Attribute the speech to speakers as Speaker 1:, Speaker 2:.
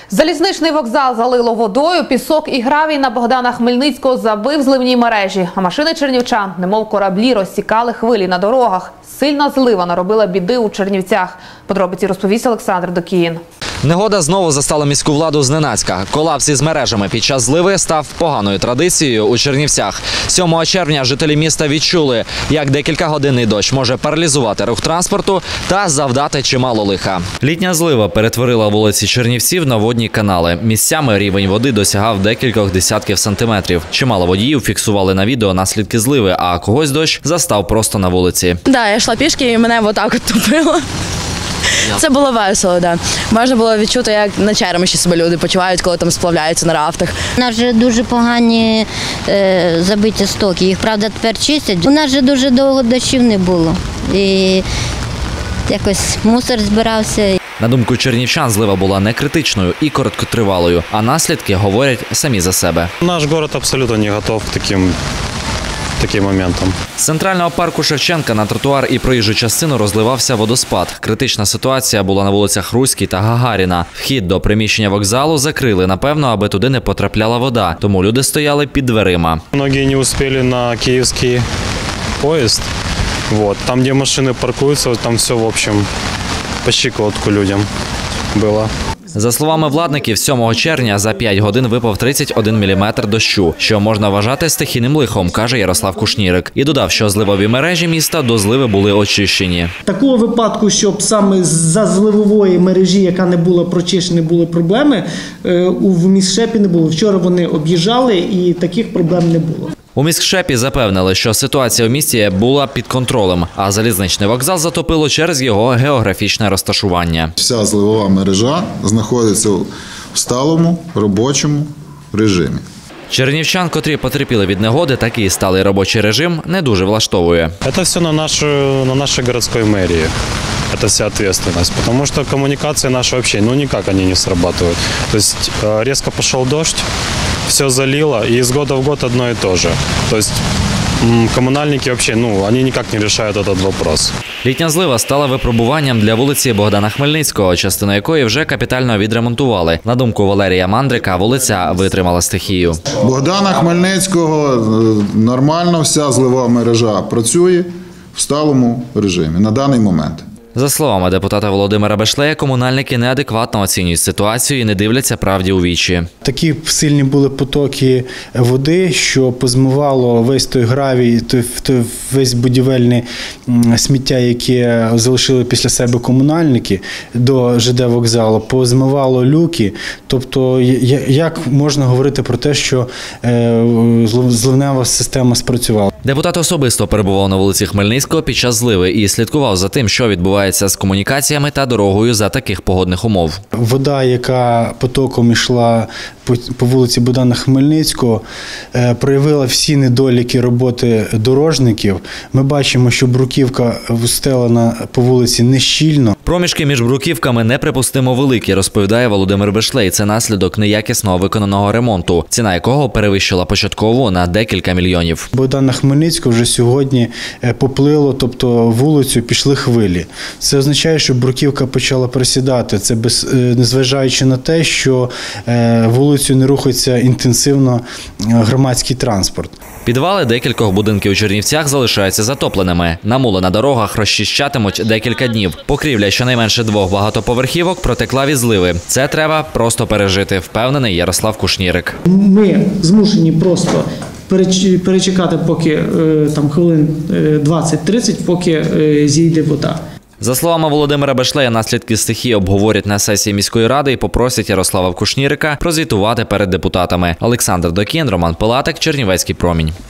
Speaker 1: Залізничний вокзал залило водою, пісок і гравій на Богдана Хмельницького забив зливні мережі. А машини чернівчан, немов кораблі, розсікали хвилі на дорогах. Сильна злива наробила біди у Чернівцях. Подробиці розповість Олександр Докіїн.
Speaker 2: Негода знову застала міську владу зненацька. Колапс із мережами під час зливи став поганою традицією у Чернівцях. 7 червня жителі міста відчули, як декількагодинний дощ може паралізувати рух транспорту та завдати чимало лиха. Літня злива перетворила вулиці Чернівців на водні канали. Місцями рівень води досягав декількох десятків сантиметрів. Чимало водіїв фіксували на відео наслідки зливи, а когось дощ застав просто на вулиці.
Speaker 3: Так, я йшла пішки і мене отак от тупило. Це було весело, так. Можна було відчути, як на Череміші себе люди почувають, коли там сплавляються на рафтах.
Speaker 4: У нас вже дуже погані забиті стоки, їх, правда, тепер чистять. У нас вже дуже довго дощів не було і якось мусор збирався.
Speaker 2: На думку чернівчан, злива була не критичною і короткотривалою, а наслідки говорять самі за себе.
Speaker 5: Наш город абсолютно не готов к таким моментам.
Speaker 2: З центрального парку Шевченка на тротуар і проїжджу частину розливався водоспад. Критична ситуація була на вулицях Руській та Гагаріна. Вхід до приміщення вокзалу закрили, напевно, аби туди не потрапляла вода, тому люди стояли під дверима.
Speaker 5: Многие не успели на киевский поезд. Там, где машины паркуются, там все, в общем, по щиколотку людям было.
Speaker 2: За словами владників, 7 червня за 5 годин випав 31 міліметр дощу, що можна вважати стихійним лихом, каже Ярослав Кушнірик. І додав, що зливові мережі міста до зливи були очищені.
Speaker 6: Такого випадку, щоб саме за зливової мережі, яка не була прочищена, були проблеми, в міськшепі не було. Вчора вони об'їжджали і таких проблем не було.
Speaker 2: У міськшепі запевнили, що ситуація у місті була під контролем, а залізничний вокзал затопило через його географічне розташування.
Speaker 7: Вся зливова мережа знаходиться в сталому робочому режимі.
Speaker 2: Чернівчан, котрі потерпіли від негоди, такий сталий робочий режим не дуже влаштовує.
Speaker 5: Это все на нашей городской мэрии. Это вся ответственность, потому что коммуникации наши вообще, никак они не срабатывают. То есть резко пошел дождь, все залило, и из года в год одно и то же. То есть комунальники вообще, они никак не решают этот вопрос.
Speaker 2: Літня злива стала випробуванням для вулиці Богдана Хмельницького, частину якої вже капітально відремонтували. На думку Валерія Мандрика, вулиця витримала стихію.
Speaker 7: Богдана Хмельницького нормально вся зливова мережа працює в сталому режимі на даний момент.
Speaker 2: За словами депутата Володимира Бешлея, комунальники неадекватно оцінюють ситуацію і не дивляться правді у вічі.
Speaker 8: Такі сильні були потоки води, що позмивало весь той гравій, весь будівельне сміття, яке залишили після себе комунальники до ЖД вокзалу, позмивало люки. Тобто, як можна говорити про те, що зливнева система спрацювала?
Speaker 2: Депутат особисто перебував на вулиці Хмельницького під час зливи і слідкував за тим, що відбувається з комунікаціями та дорогою за таких погодних умов.
Speaker 8: Вода, яка потоком йшла по вулиці Богдана Хмельницького, проявила всі недоліки роботи дорожників. Ми бачимо, що бруківка встелена по вулиці нещільно.
Speaker 2: Проміжки між бруківками неприпустимо великі, розповідає Володимир Бешлей. Це наслідок неякісно виконаного ремонту, ціна якого перевищила початкову на декілька мільйонів.
Speaker 8: Богдана Хмельницького вже сьогодні поплило, тобто вулицю пішли хвилі. Це означає, що бруківка почала просідати. Це незважаючи на те, що вулицю не рухається інтенсивно громадський транспорт.
Speaker 2: Підвали декількох будинків у Чернівцях залишаються затопленими. Намули на дорогах розчищатимуть декілька днів. Покрівля щонайменше 2 багатоповерхівок протекла від зливи. Це треба просто пережити, впевнений Ярослав Кушнірик.
Speaker 6: Ми змушені просто перечекати, поки там хвилин 20-30, поки зійде вода.
Speaker 2: За словами Володимира Бешлея, наслідки стихії обговорять на сесії міської ради і попросять Ярослава Кушнірика прозвітувати перед депутатами. Олександр Докіїн, Роман Пилатик, Чернівецький промінь.